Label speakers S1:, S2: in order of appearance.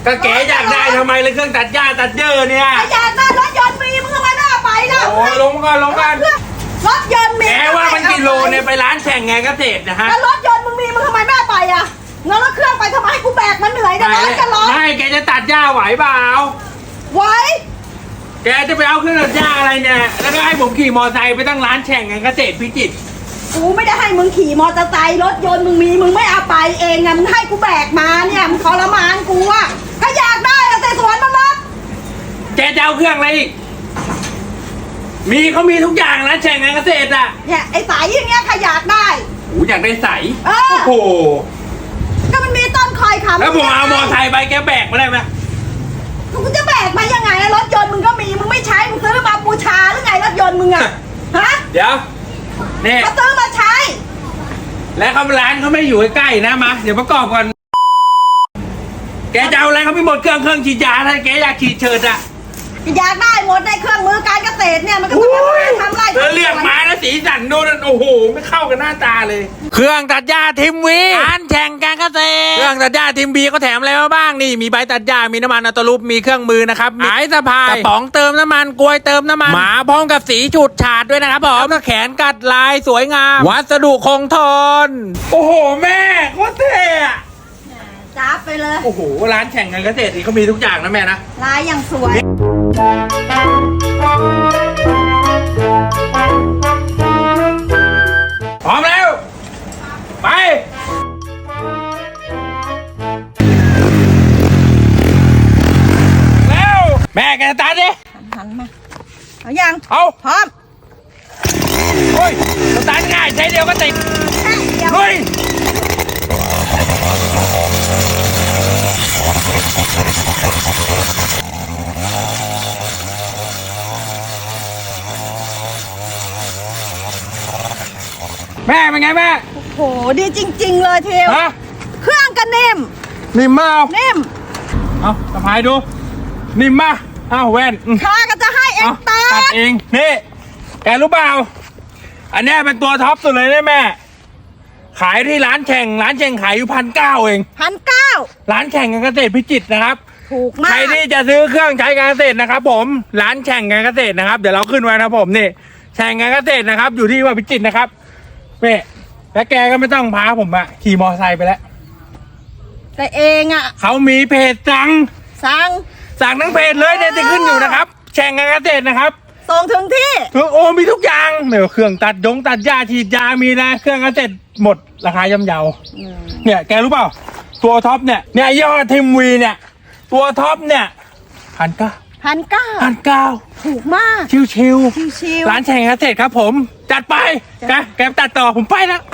S1: ก็แกอยากได้ทำไมเลยเครื่องตัดหญ้าตัดเยอะเนี่ย
S2: อยากได้รถยนต์มีมึงทำไมไม่เอาไปล่ะ
S1: โอ้ลงก่อน
S2: รถยนต์มี
S1: แกว่ามันกิโลเนี่ยไปร้านแข่งไงเกษตรนะฮะ
S2: แล้วรถยนต์มึงมีมึงทำไมไม่เอาไปอ่ะงั้นรถเครื่องไปทำไมให้กูแบกมันเหนื่อยจะร้อนจะร้อน
S1: ไม่แกจะตัดหญ้าไหวเปล่า
S2: ไหว
S1: แกจะไปเอาเครื่องตัดหญ้าอะไรเนี่ยแล้วก็ให้ผมขี่มอเตอร์ไซค์ไปตั้งร้านแข่งไงเกษตรพิจิตร
S2: กูไม่ได้ให้มึงขี่มอเตอร์ไซค์รถยนต์มึงมีมึงไม่เอาไปเองไงมึงให้กูแบกมาเนี่ยมึงทรมานกูอ่ะก็อยากได้แต่สวนมันรถ
S1: แกจะเอาเครื่องอะไรอีกเขามีทุกอย่างร้านแข่งไงเกษตรอ่ะ
S2: เนี่ยไอ้สายอย่างเงี้ยใครอยากได้
S1: โอ้อยากได้ใส
S2: โอ้
S1: โห
S2: ก็มันมีต้นคอยขับ
S1: แล้วผมเอามอเตอร์ไซค์ไปแกแบกมาได้ไหม
S2: กูจะแบกมายังไงรถยนต์มึงก็มีมึงไม่ใช้มึงซื้อมาบูชาหรือไงรถยนต์มึงอ่ะฮะ
S1: เดี๋ยวเนี่ย
S2: ก็ซื้อมาใช้
S1: แล้วเขาร้านเขาไม่อยู่ใกล้ๆนะมาเดี๋ยวประกอบก่อนแกจะเอาอะไรเขาไม่หมดเครื่องฉีดยาถ้าแกอยากฉีดเชิดอ่ะ
S2: อยากได้หมดในเครื่องมือการเกษตรเนี่ยมันก็ต้องทำไร
S1: เลือกมาแล้วสีสันดูนั่นโอ้โหไม่เข้ากันหน้าตาเลยเครื่องตัดหญ้าทิมวีร้านแข่งการเกษตรเครื่องตัดหญ้าทิมวีเขาแถมอะไรมาบ้างนี่มีใบตัดหญ้ามีน้ำมันอัตลูปมีเครื่องมือนะครับหายสะพายกระป๋องเติมน้ำมันกลวยเติมน้ำมันหมาพร้อมกับสีฉูดฉาดด้วยนะครับผมแขนกัดลายสวยงามวัสดุคงทนโอ้โหแม่โคตรเท่
S2: จับไปเลย
S1: โอ้โหร้านแข่งการเกษตรนี่เขามีทุกอย่างนะแม่นะ
S2: ลายอย่างสวย
S1: พร้อมแล้วไปแล้วแม่แกตัดดิ
S2: หันมาเอายัง
S1: เอา
S2: พร้อม
S1: โอ้ยตัดง่ายใช้เดียวก็ติดเฮ้ยแม่เป็นไงแม่
S2: โอ้โหดีจริงๆเลยเทวเครื่องก็นิ่ม
S1: มาก
S2: นิ่ม
S1: เอาสะพายดูนิ่มมากเอาแว่น
S2: ข้าก็จะให้เองตั
S1: ดเองนี่แกรู้เปล่าอันนี้เป็นตัวท็อปสุดเลยนะแม่ขายที่ร้านแข่งขายอยู่1,900เอง
S2: 1,900
S1: ร้านแข่งการเกษตรพิจิตรนะครับ
S2: ถูกมาก
S1: ใครที่จะซื้อเครื่องใช้การเกษตรนะครับผมร้านแข่งการเกษตรนะครับเดี๋ยวเราขึ้นไว้นะผมนี่แข่งการเกษตรนะครับอยู่ที่ว่าพิจิตรนะครับแม่แล้วแกก็ไม่ต้องพาผมอะขี่มอเตอร์ไซค์ไปแล้ว
S2: แต่เองอะ
S1: เขามีเพจสั่งทั้งเพจเลยเนี่ยจะขึ้นอยู่นะครับแข่งการเกษตรนะครับ
S2: ส่งถึงที่
S1: โอ้มีทุกอย่างเนี่ยเครื่องตัดหญ้าฉีดยามีนะเครื่องเกษตรหมดราคาย่ำเยาเนี่ยแกรู้เปล่าตัวท็อปเนี่ยยอดทิมวีเนี่ยตัวท็อปเนี่ย1,900
S2: ถูกมาก
S1: ชิวร้านแข่งเกษตรครับผมจัดไปแกตัดต่อผมไปแล้ว